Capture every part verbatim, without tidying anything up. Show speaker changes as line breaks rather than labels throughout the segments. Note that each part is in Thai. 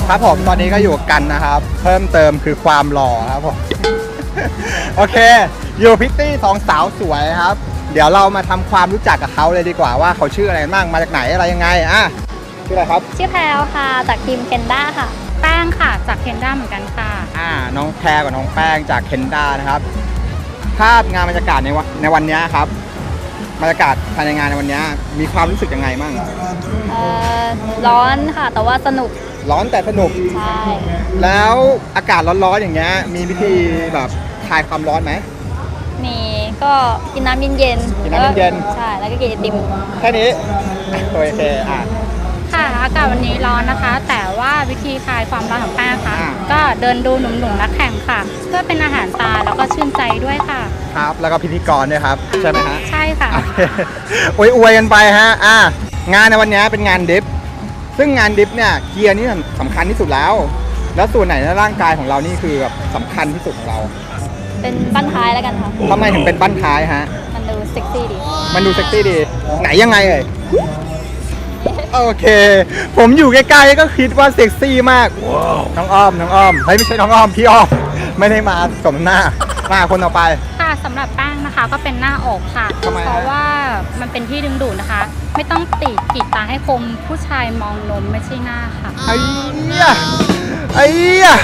ครับผมตอนนี้ก็อยู่กันนะครับเพิ่มเติมคือความหล่อครับผม โอเคอยู่พิตตี้สองสาวสวยครับเดี๋ยวเรามาทำความรู้จักกับเขาเลยดีกว่าว่าเขาชื่ออะไรบ้างมาจากไหนอะไรยังไงอ่ะชื่ออะไรครับ
ชื่อแพรวค่ะจากทีมเคนด้าค่ะ
แป้งค่ะจากเคนด้าเหมือนกันค่ะ
อ่าน้องแพรกับน้องแป้งจากเคนด้านะครับภาพงานบรรยากาศในวันในวันนี้ครับบรรยากาศภายในงานในวันนี้มีความรู้สึกยังไงบ้าง
เอ่อร้อนค่ะแต่ว่าสนุก
ร้อนแต่สนุก
ใช่
แล้วอากาศร้อนๆอย่างเงี้ยมีวิธีแบบคลายความร้อนไหม
มีก็กินน้ำเย็นๆ
กินน้ำเย็น
ๆใช่แล้วก็กินไอติม
แค่นี้โอเคอ่ะ
ค่ะอากาศวันนี้ร้อนนะคะแต่ว่าวิธีคลายความร้อนของแป้งค่ะก็เดินดูหนุ่มๆนักแข่งค่ะเพื่อเป็นอาหารตาแล้วก็ชื่นใจด้วยค่ะ
ครับแล้วก็พิธีกรด้วยครับใช่ไหมฮะ
ใช่ค่ะ
อวยอวยกันไปฮะอ่ะงานในวันนี้เป็นงานดิฟซึ่งงานดิฟเนี่ยเกียร์นี่สำคัญที่สุดแล้วแล้วส่วนไหนในร่างกายของเรานี่คือแบบสำคัญที่สุดของเรา
เป็นบั้นท้ายแล้วกันค่ะ
ทำไมถึงเป็นบั้นท้ายฮะ
มันดูเซ็กซี่ดี
มันดูเซ็กซี่ดีไหนยังไงเอ่ยโอเคผมอยู่ใกล้ๆก็คิดว่าเซ็กซี่มากน้องอ้อมน้องอ้อมเฮ้ยไม่ใช่น้องอ้อมพี่อ้อมไม่ได้มาสมหน้ามาคนต่อไป
ค่ะสำหรับแป้งนะคะก็เป็นหน้าอกค่ะเพราะว่ามันเป็นที่ดึงดูดนะคะไม่ต้องติดกีดตาให้คมผู้ชายมองนมไม่ใช่หน้าค่ะ
ไอ้เหี้ยไอ้เหี้ย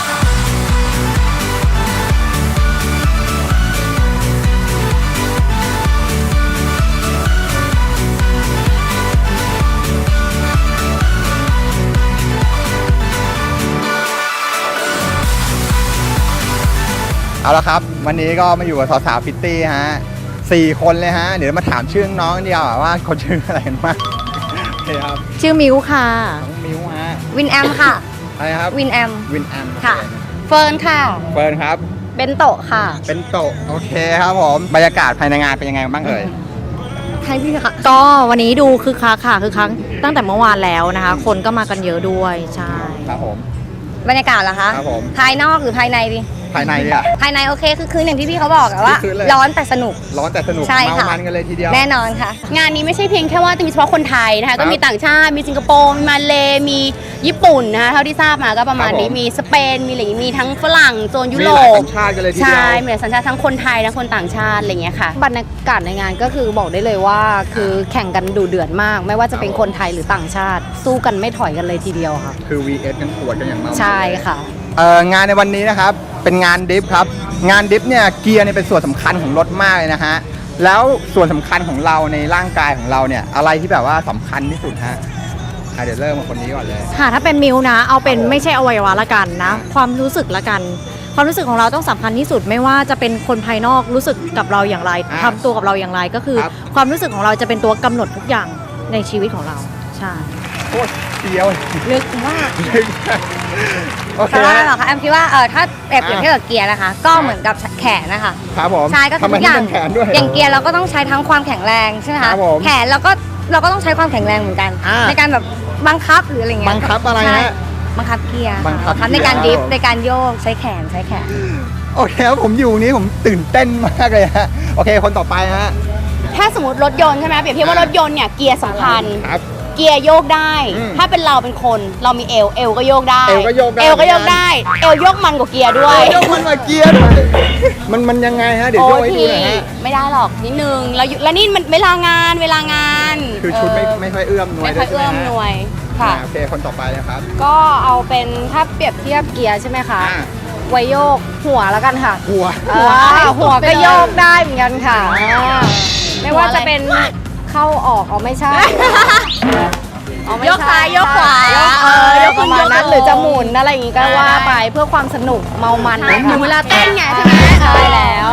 เอาละครับวันนี้ก็มาอยู่กับสาวๆพิตตี้ฮะสี่คนเลยฮะเดี๋ยวมาถามชื่อน้องเดียวว่าเขาชื่ออะไรกันบ้างโอเคครับ
ชื่อมิวค่ะ
น้องมิวฮะ
วินแอมค่ะ
อะไรครับ
วินแอม
วินแอม
ค่ะเฟิร์นค่ะ
เฟิร์นครับ
เบนโตะค่ะ
เบนโตะโอเคครับผมบรรยากาศภายในงานเป็นยังไงบ้างเอ่ย
ใช่พี่ค่ะก็วันนี้ดูคือคักค่ะคือคักตั้งแต่เมื่อวานแล้วนะคะคนก็มากันเยอะด้วยใช่
ครับผม
บรรยากาศเหรอคะ
ครับผม
ภายนอกหรือภายในดิ
ภายในเนี่ย
ภายในโอเคคือคืนอย่างที่พี่เขาบอกอะว่าร้อนแต่สนุก
ร้อนแต่สนุกเมามันกันเลยทีเดียว
แน่นอนค่ะ
งานนี้ไม่ใช่เพียงแค่ว่าจะมีเฉพาะคนไทยนะคะก็มีต่างชาติมีสิงคโปร์มีมาเลมีญี่ปุ่นนะคะเท่าที่ทราบมาก็ประมาณนี้มีสเปนมีอะไรมีทั้งฝรั่งโซนยุโรป
มีหลายสัญชาติกันเลยทีเดียว
ใช่มีหลายสัญชาติทั้งคนไทยทั้งคนต่างชาติอะไรอย่างเงี้ยค่ะ
บรรยากาศในงานก็คือบอกได้เลยว่าคือแข่งกันดุเดือดมากไม่ว่าจะเป็นคนไทยหรือต่างชาติสู้กันไม่ถอยกันเลยทีเดียวค่ะ
คือ วี เอส กันปวดกันอย่างมาก
ใช่ค่ะ
เอ่องานในวันนี้นะครับเป็นงานดิฟครับงานดิฟเนี่ยเกียร์เนี่ยเป็นส่วนสำคัญของรถมากเลยนะฮะแล้วส่วนสำคัญของเราในร่างกายของเราเนี่ยอะไรที่แบบว่าสำคัญที่สุดฮะเดี๋ยวเริ่มมาคนนี้ก่อนเลย
ค่ะถ้าเป็นมิวนะเอาเป็นไม่ใช่อวัยวะละกันนะความรู้สึกละกันความรู้สึกของเราต้องสำคัญที่สุดไม่ว่าจะเป็นคนภายนอกรู้สึกกับเราอย่างไรทำตัวกับเราอย่างไรก็คือความรู้สึกของเราจะเป็นตัวกำหนดทุกอย่างในชีวิตของเราใช่
โคตรเดียว
ลึกมาก
โอเค
แล้วเหรอคะแอมคิดว่าเออถ้าเปรียบเทียบกับเกียร์นะคะก็เหมือนกับแขนนะคะ
ครับผม
ใช่ก็ทุกอย่างอย่างเกียร์เราก็ต้องใช้ทั้งความแข็งแรงใช่ไหมคะแขนเราก็เราก็ต้องใช้ความแข็งแรงเหมือนกันในการแบบบังคับหรืออะไรเงี้ย
บังคับอะไรฮะ
บังคับเกียร์บังคับในการดิฟในการโยกใช้แขนใช้แขน
โอเคครับผมอยู่นี้ผมตื่นเต้นมากเลยฮะโอเคคนต่อไปฮะ
ถ้าสมมติรถยนต์ใช่ไหมเปรียบเทียบว่ารถยนต์เนี่ยเกียร์สำคัญ
ครับ
เกียร์โยกได้ถ้าเป็นเราเป็นคนเรามีเอวเอวก็โยกได้
เอวก็โยกได้
เอวก็โยกได้เอวโยกมันกว่าเกียร์ด้วย
โยกมันกว่าเกียร์มันมันยังไงฮะเดี๋ยวโยกให้ดูหน่อยฮะ
ไม่ได้หรอกนิดนึงแล้วแล้วนี่มันเวลางานเวลางาน
คือชุดไม่ไม่ค่อยเอื้อมหน่วย
ไม่ค่อยเอื้อมหน่วยค่ะ
โอเคคนต่อไปนะครับ
ก็เอาเป็นถ้าเปรียบเทียบเกียร์ใช่ไหมคะไวโยกหัวแล้วกันค่ะ
หัว
หัวหัวก็โยกได้เหมือนกันค่ะไม่ว่าจะเป็นเข้าออกเอาไม่ใช่
ยกซ้ายยกขวา
เออยกประมาณนั้นหรือจะหมุนอะไรอย่างงี้ก็ว่าไปเพื่อความสนุกเมามัน
ถึงเวลาเต้นไงใช่ไหม
ใช่แล้ว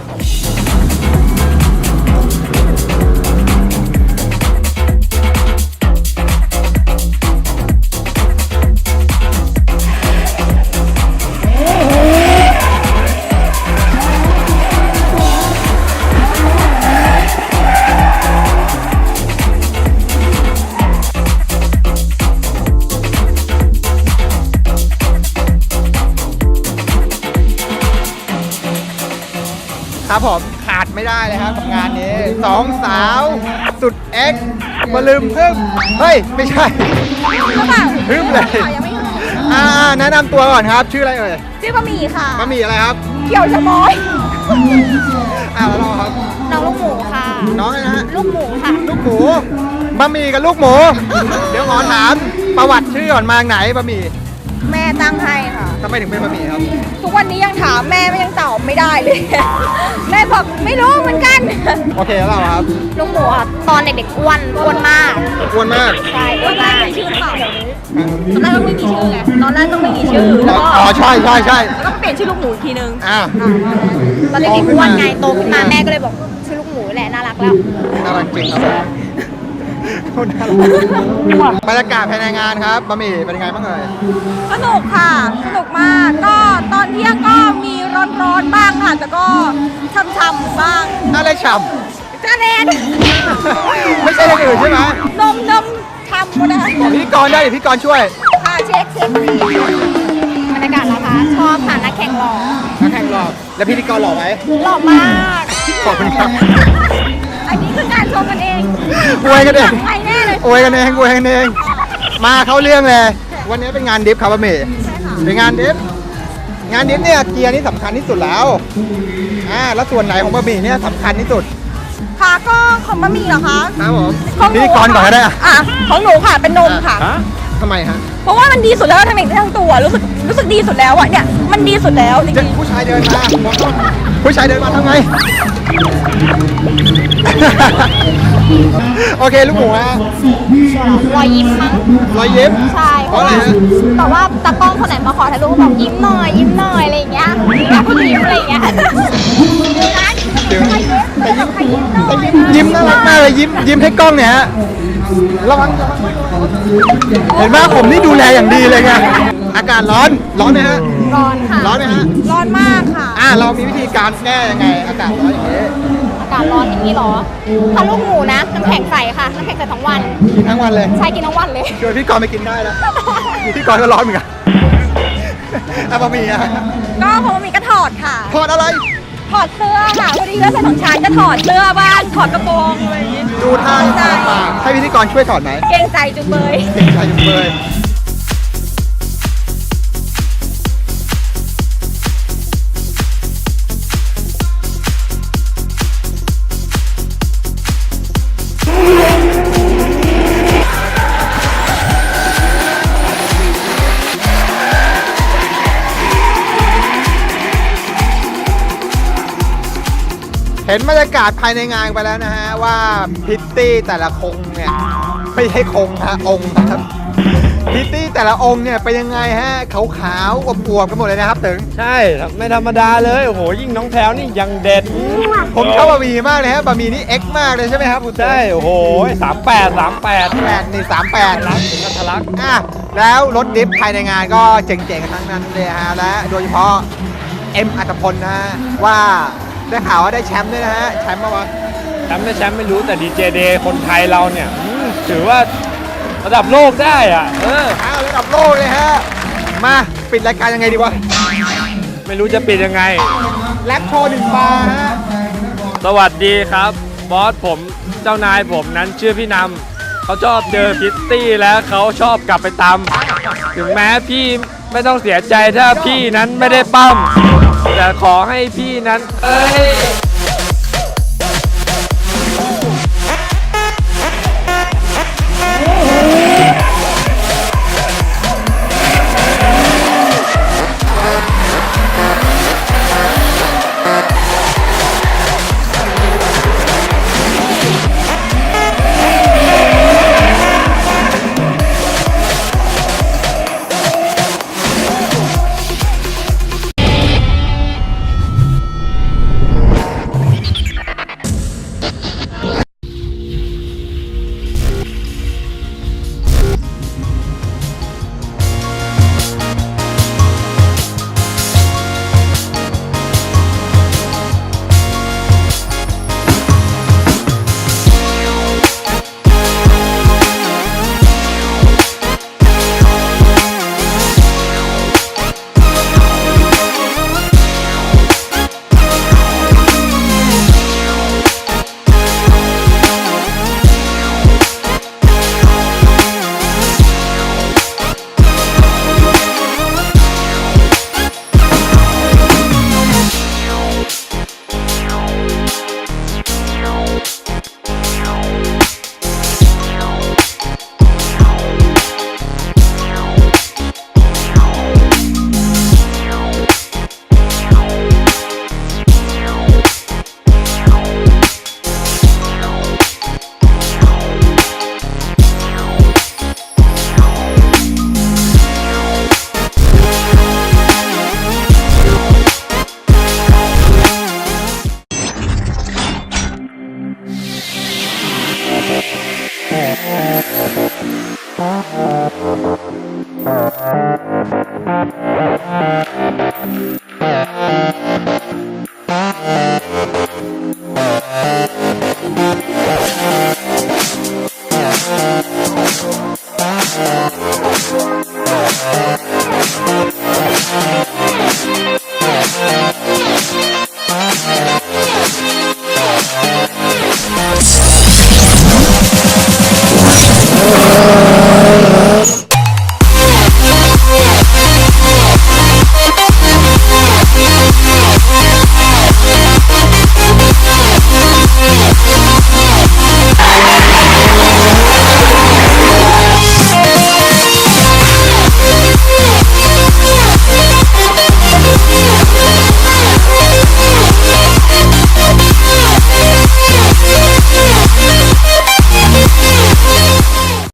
ครับผมขาดไม่ได้เลยครับกับงานนี้สองสาวสุดเอ็กซ์มาลืมพึ่มเฮ้ยไม่ใช่พึ่มเลยอ่าแนะนำตัวก่อนครับชื่ออะไรเอ่ย
ชื่อบะหมี่ค่ะ
บะหมี่อะไรครับ
เขียวชะมอย
อ่าแล้วเราครับ
น้องลูกหมูค่ะ
น้องอะไรนะฮะ
ลูกหมูค่ะ
ลูกหมูบะหมี่กับลูกหมู เดี๋ยวขอถามประวัติชื่อก่อนมาจากไหนบะหมี่
แม่ตั้งให้ค่ะ
ทำไมถึงเป็นบะหมี่ครับ
ทุกวันนี้ยังถามแม่ไม่ยังตอบไม่ได้เลย แม่บอกไม่รู้เหมือนกัน
โอเคแล้วเราครับ
ลูกหมูอ่ะตอนเด็กๆอ้วนอ้วนมาก
อ้วนมาก
ใช่อ้วนมากมีชื่อเปล่าตอนแรกต้องไม่มีชื่อไงตอนแรกต้องไม่มีชื่อแล้วก็
อ๋อใช่ใช่ใช่
แล้วก็เปลี่ยนชื่อลูกหมูอีกทีนึง
อ่า
ตอนเด็กๆอ้วนไงโตขึ้นมาแม่ก็เลยบอกชื่อลูกหมูแหละน่ารักแล้ว
น่ารักจริงครับผมคนน่ารักบรรยากาศภายในงานครับบะหมี่เป็นยังไงบ้างเอ่ย
สนุกค่ะ สนุกมาก ก็ตอนเที่ยงก็มีร้อนๆบ้างค่ะ แต่ก็ช่ำๆบ้าง
อะไรฉ่
จ้าแนน
ำไม่ใช่อย่างอื่นใช่ไหม
นมนมทำหมดนะ
บอกพิธีกรได้เดี๋ยวพิธีกรช่วย
ค่ะเช็คเช็คบรรยากาศนะคะ ชอบค่ะนักแข่งหล่อ
นักแข่งหล่อแล้วพิธีกรหล่อไหม
หล่อมาก
ขอบคุณครับ
อันนี้คือการชมกันเอง
อวยกันเอง
ใครแน่เลย
อวยกันเองอวยกันเองมาเข้าเรื่องเลย วันนี้เป็นงานดิฟครับบะหมี่
ใช่ค่ะ
เป็นงานดิฟงานดิฟเนี่ยเกียร์นี่สำคัญที่สุดแล้วอ่าแล้วส่วนไหนของบะหมี่เนี่ยสำคัญที่สุด
ค่ะก็ของบะหมี่เหรอคะ
ครับผม
ของห
พิธีกรก่อนก็ได้อะ
อ่ะของหนูค่ะเป็นนมค่ะ
ทำไมฮะ
เพราะว่ามันดีสุดแล้วทั้งเด็กทั้งตัวรู้สึกรู้สึกดีสุดแล้วอ่ะเนี่ยมันดีสุดแล้วจ
จะ
ริง
ผู้ชายเดินมาบอกว่าผู้ชายเดินมาทำไง โอเคลูกหมูฮะ
ๆรอยยิ้มมั้ง
รอยยิ้ม
ใช่
เพราะอะไรฮะ
แต่ว่าตากล้องคนไหนมาขอถ่ายรูปก็บอกยิ้มหน่อยยิ้มหน่อยอะไรอย่างเงี้ยแล้วก็ยิ้มอะไรอย่างเงี้ยดูนะ
เดี๋ยว
ใครยิ้มใครยิ้มหน่อย
ยิ้มน่ารักมากเลยยิ้มยิ้มให้กล้องเนี่ยฮะระวังระวังเห็นไหมผมนี่ดูแลอย่างดีเลยไงอากาศร้อนร้อนไหมฮะ
ร้อนค่ะ
ร้อนไหมฮะ
ร้อนมากค่ะ
อ่าเรามีวิธีการแก้ยังไง อากาศร้อนอย่างนี้
อากาศร้อนอย่างนี้เหรอถ้าลูกหมูนะน้ำแข็งใสค่ะน้ำแข็งใสทั้งวัน
กินทั้งวันเลย
ใช่กินทั้งวันเลย
ชวนพี่กรณ์ไปกินได้แล้วพี่กรณ์ก็ร้อนเหมือนกันอ่ะบะหมี่อ่ะ
ก็พอมีก็ถอดค่ะ
ทอดอะไร
ถอดเสื้อค่ะพอดีเสื้อใส่ของชายจะถอดเสื้อบ้างถอดกระโปรงอะไรอย่างงี้
ดูท่า
ใช่
ต่างๆให้พิธีกรช่วยถอดไหม
เกรงใจจุงเบย
เก่งใจจุงเบยเห็นบรรยากาศภายในงานไปแล้วนะฮะว่าพิตตี้แต่ละคงเนี่ยไม่ใช่คงฮะองค์ครับพิตตี้แต่ละองค์เนี่ยเป็นยังไงฮะขาวๆอวบๆกันหมดเลยนะครับถึง
ใช่ไม่ธรรมดาเลยโอ้โหยิ่งน้องแพลวนี่ยังเด็ด
ผมชอบบะหมี่มากเลยฮะบะหมี่นี่เอ็กซ์มากเลยใช่ไหมครับคุณ
ใช่โอ้โหสามแปดสามแปด
แปดนี่สามแปด
รักถึงกับทะลัก
อ่ะแล้วรถดิฟภายในงานก็เจ๋งๆทั้งนั้นเลยฮะและโดยเฉพาะเอ็มอัตพลนะฮะว่าได้ข่าวว่าได้แชมป์ด้วยนะฮะแชมป์มาวะ
แชมป์ไม่แชมป์ไม่รู้แต่ดีเจเดย์คนไทยเราเนี่ยอืมถือว่าระดับโลกได้อ่ะเออ
อ้าวระดับโลกเลยฮะมาปิดรายการยังไงดีวะ
ไม่รู้จะปิดยังไง
แรปโชว์หนึ่งบาร์ฮะ
สวัสดีครับบอสผมเจ้านายผมนั้นชื่อพี่นำเขาชอบเจอพิตตี้แล้วเขาชอบกลับไปตำถึงแม้พี่ไม่ต้องเสียใจถ้าพี่นั้นไม่ได้ปั้มแต่ขอให้พี่นั้นเอ้ย